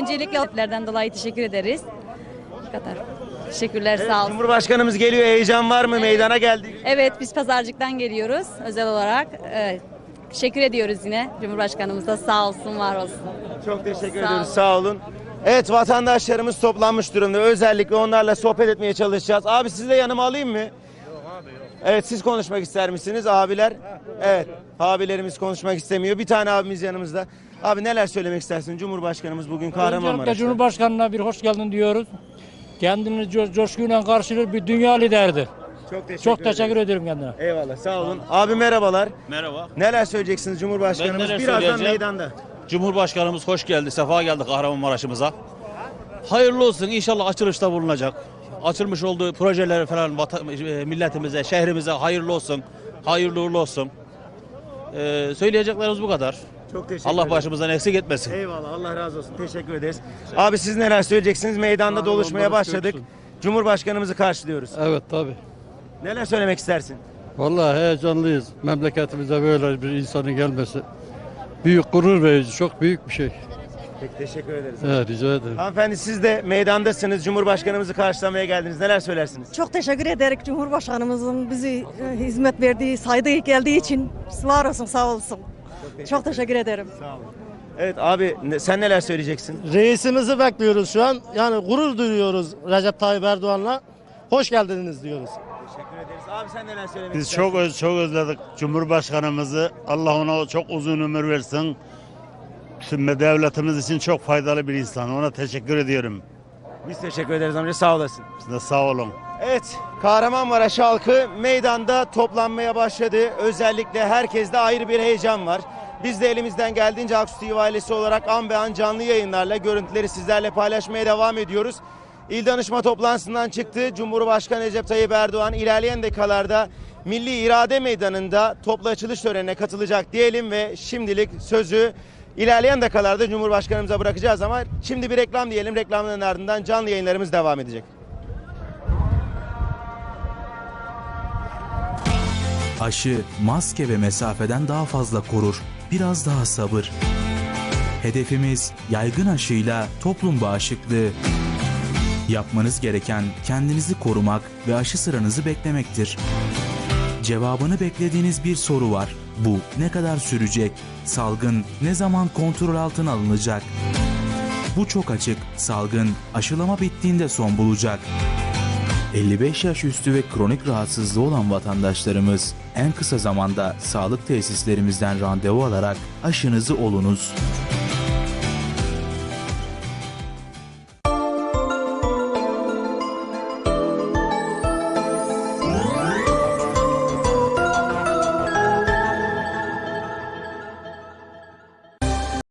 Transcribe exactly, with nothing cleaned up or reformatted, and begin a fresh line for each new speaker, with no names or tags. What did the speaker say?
Öncelikle alplerden dolayı teşekkür ederiz. Bu kadar. Teşekkürler,
Evet,
sağ olun.
Cumhurbaşkanımız geliyor. Heyecan var mı? Meydana geldik.
Evet, biz Pazarcık'tan geliyoruz özel olarak. Evet, teşekkür ediyoruz yine Cumhurbaşkanımıza. Sağ olsun, var olsun.
Çok teşekkür
Sağ
ediyoruz.
olun.
Sağ olun. Evet, vatandaşlarımız toplanmış durumda. Özellikle onlarla sohbet etmeye çalışacağız. Abi sizi de yanıma alayım mı? Evet, siz konuşmak ister misiniz abiler? Evet, abilerimiz konuşmak istemiyor. Bir tane abimiz yanımızda. Abi neler söylemek istersin? Cumhurbaşkanımız bugün
Öncelikle
Kahramanmaraş'ta.
Cumhurbaşkanına bir hoş geldin diyoruz. Kendini co- coşkuyla karşılıyor, bir dünya liderdir.
Çok teşekkür,
Çok teşekkür
ederiz.
ederim kendine.
Eyvallah, sağ olun. Abi merhabalar.
Merhaba.
Neler söyleyeceksiniz Cumhurbaşkanımız?
Ben neler
Birazdan
söyleyeceğim?
meydanda.
Cumhurbaşkanımız hoş geldi, sefa geldi Kahramanmaraş'ımıza. Hayırlı olsun, inşallah açılışta bulunacak. Açılmış olduğu projeler falan vatan, e, milletimize, şehrimize hayırlı olsun. Hayırlı uğurlu olsun. Ee, söyleyeceklerimiz bu kadar.
Çok teşekkür
Allah
ederim.
başımızdan eksik etmesin.
Eyvallah, Allah razı olsun. Teşekkür ederiz. Abi siz neler söyleyeceksiniz? Meydanda doluşmaya başladık. Cumhurbaşkanımızı karşılıyoruz.
Evet tabi.
Neler söylemek istersin?
Vallahi heyecanlıyız. Memleketimize böyle bir insanın gelmesi büyük gurur verici, çok büyük bir şey.
Peki, teşekkür ederiz.
Evet, rica ederim.
Hanımefendi siz de meydandasınız. Cumhurbaşkanımızı karşılamaya geldiniz. Neler söylersiniz?
Çok teşekkür ederim Cumhurbaşkanımızın bizi e, hizmet verdiği, saydığı geldiği için. Var olsun, sağ olsun. Çok teşekkür ederim.
Sağ olun. Evet abi, ne- sen neler söyleyeceksin?
Reisimizi bekliyoruz şu an. Yani gurur duyuyoruz Recep Tayyip Erdoğan'la. Hoş geldiniz diyoruz.
Teşekkür ederiz. Abi sen neler söylemek
Biz
istersin?
çok öz, çok özledik Cumhurbaşkanımızı. Allah ona çok uzun ömür versin. Şimdi devletimiz için çok faydalı bir insan. Ona teşekkür ediyorum.
Biz teşekkür ederiz amca, sağ olasın.
Siz de sağ olun.
Evet, Kahramanmaraş halkı meydanda toplanmaya başladı. Özellikle herkeste ayrı bir heyecan var. Biz de elimizden geldiğince Aksu T V ailesi olarak an be an canlı yayınlarla görüntüleri sizlerle paylaşmaya devam ediyoruz. İl danışma toplantısından çıktı. Cumhurbaşkanı Recep Tayyip Erdoğan ilerleyen dakikalarda Milli İrade Meydanı'nda toplu açılış törenine katılacak diyelim ve şimdilik sözü ilerleyen dakikalarda Cumhurbaşkanımıza bırakacağız ama şimdi bir reklam diyelim. Reklamların ardından canlı yayınlarımız devam edecek.
Aşı, maske ve mesafeden daha fazla korur. Biraz daha sabır. Hedefimiz yaygın aşıyla toplum bağışıklığı. Yapmanız gereken kendinizi korumak ve aşı sıranızı beklemektir. Cevabını beklediğiniz bir soru var. Bu ne kadar sürecek? Salgın ne zaman kontrol altına alınacak? Bu çok açık. Salgın aşılama bittiğinde son bulacak. elli beş yaş üstü ve kronik rahatsızlığı olan vatandaşlarımız en kısa zamanda sağlık tesislerimizden randevu alarak aşınızı olunuz.